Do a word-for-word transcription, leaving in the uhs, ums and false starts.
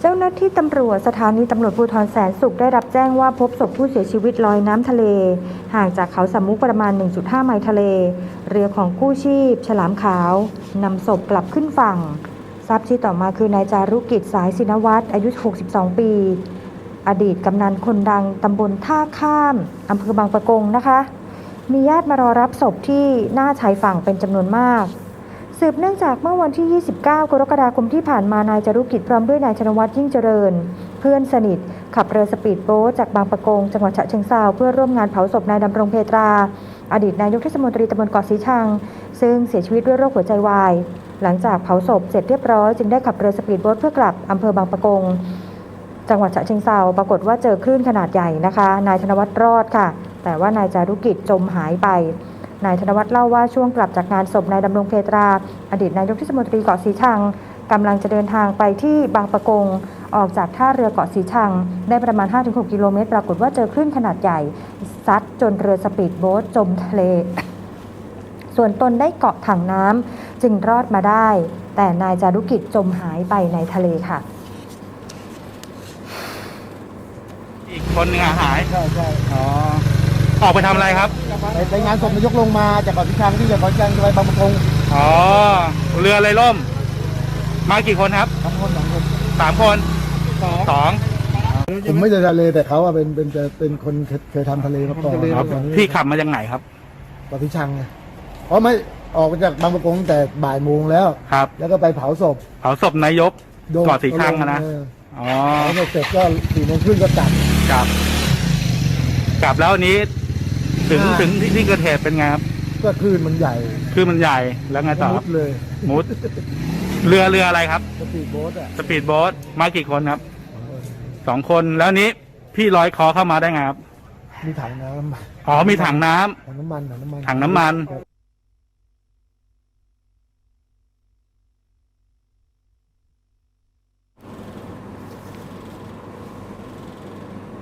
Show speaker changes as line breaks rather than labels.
เจ้าหน้าที่ตำรวจสถานีตำรวจภูธรแสนสุขได้รับแจ้งว่าพบศพผู้เสียชีวิตลอยน้ำทะเลห่างจากเขาสามมุกประมาณ หนึ่งจุดห้า ไมล์ทะเลเรือของกู้ชีพฉลามขาวนำศพกลับขึ้นฝั่งทราบชื่อต่อมาคือนายจารุกิจสายศินวัฒน์อายุ หกสิบสอง ปีอดีตกำนันคนดังตำบลท่าข้ามอำเภอบางปะกงนะคะมีญาติมารอรับศพที่หน้าชายฝั่งเป็นจำนวนมากสืบเนื่องจากเมื่อวันที่ ยี่สิบเก้า กรกฎาคมที่ผ่านมานายจารุกิจพร้อมด้วยนายชนวัฒน์ยิ่งเจริญเพื่อนสนิทขับเรือสปีดโบ๊ทจากบางปะกงจังหวัดฉะเชิงเทราเพื่อร่วมงานเผาศพนายดำรงเพตราอดีตนายกเทศมนตรีตำบลเกาะสีชังซึ่งเสียชีวิตด้วยโรคหัวใจวายหลังจากเผาศพเสร็จเรียบร้อยจึงได้ขับเรือสปีดโบ๊ทเพื่อกลับอำเภอบางปะกงจังหวัดฉะเชิงเทราปรากฏว่าเจอคลื่นขนาดใหญ่นะคะนายธนวัฒน์รอดค่ะแต่ว่านายจารุกิจจมหายไปนายธนวัฒน์เล่าว่าช่วงกลับจากงานศพนายดำรงเพตราอดีตนายกเทศมนตรีเกาะสีชังกำลังจะเดินทางไปที่บางปะกงออกจากท่าเรือเกาะสีชังได้ประมาณ ห้าถึงหก กิโลเมตรปรากฏว่าเจอคลื่นขนาดใหญ่ซัดจนเรือสปีดโบ๊ทจมทะเลส่วนตนได้เกาะถังน้ำจึงรอดมาได้แต่นายจารุกิจจมหายไปในทะเลค่ะ
อีกคนหนึ่งหาย
ใช่ใช่
อ๋อออกไปทำอะไรครับ
ไปไปงานศพนายกลงมาจากเกาะสีชังที่จากเกาะสีชังไปบางปะกง
อ๋อเรือเลยล่มมากี่คนครับ
สองคนสองคน
สามคนสอง
ผมไม่ได้ทะเลแต่เขาอะเป็นเป็นจะเป็นคนเคยทำทะเลมาก่อน
พี่ขับมาจากไหนครับ
เกาะสีชังไงเพราะไม่ออกมาจากบางปะกงแต่บ่ายโมงแล้ว
ครับ
แล้วก็ไปเผาศพ
เผาศพนายกเกาะสีชังนะอ๋อ
แล้วเสร็จก็สี่โมงครึ่งก็กลับ
กลับกลับแล้วนี้ถึงถึงที่เกิดเหตุเป็นไงครับ
ก็คลื่นมันใหญ่
คลื่นมันใหญ่แล้วไงต่อ
มุดเลย
มุดเรือเรืออะไรครับ
สปีดโบ๊ทอะ
สปีดโบ๊ทมากี่คนครับสองคนแล้วนี้พี่ลอยคอเข้ามาได้ไงครับ
มีถังน้ำ
อ๋อมีถังน้ำ
ถังน้ำมันถังน้ำมัน
ถังน้ำมัน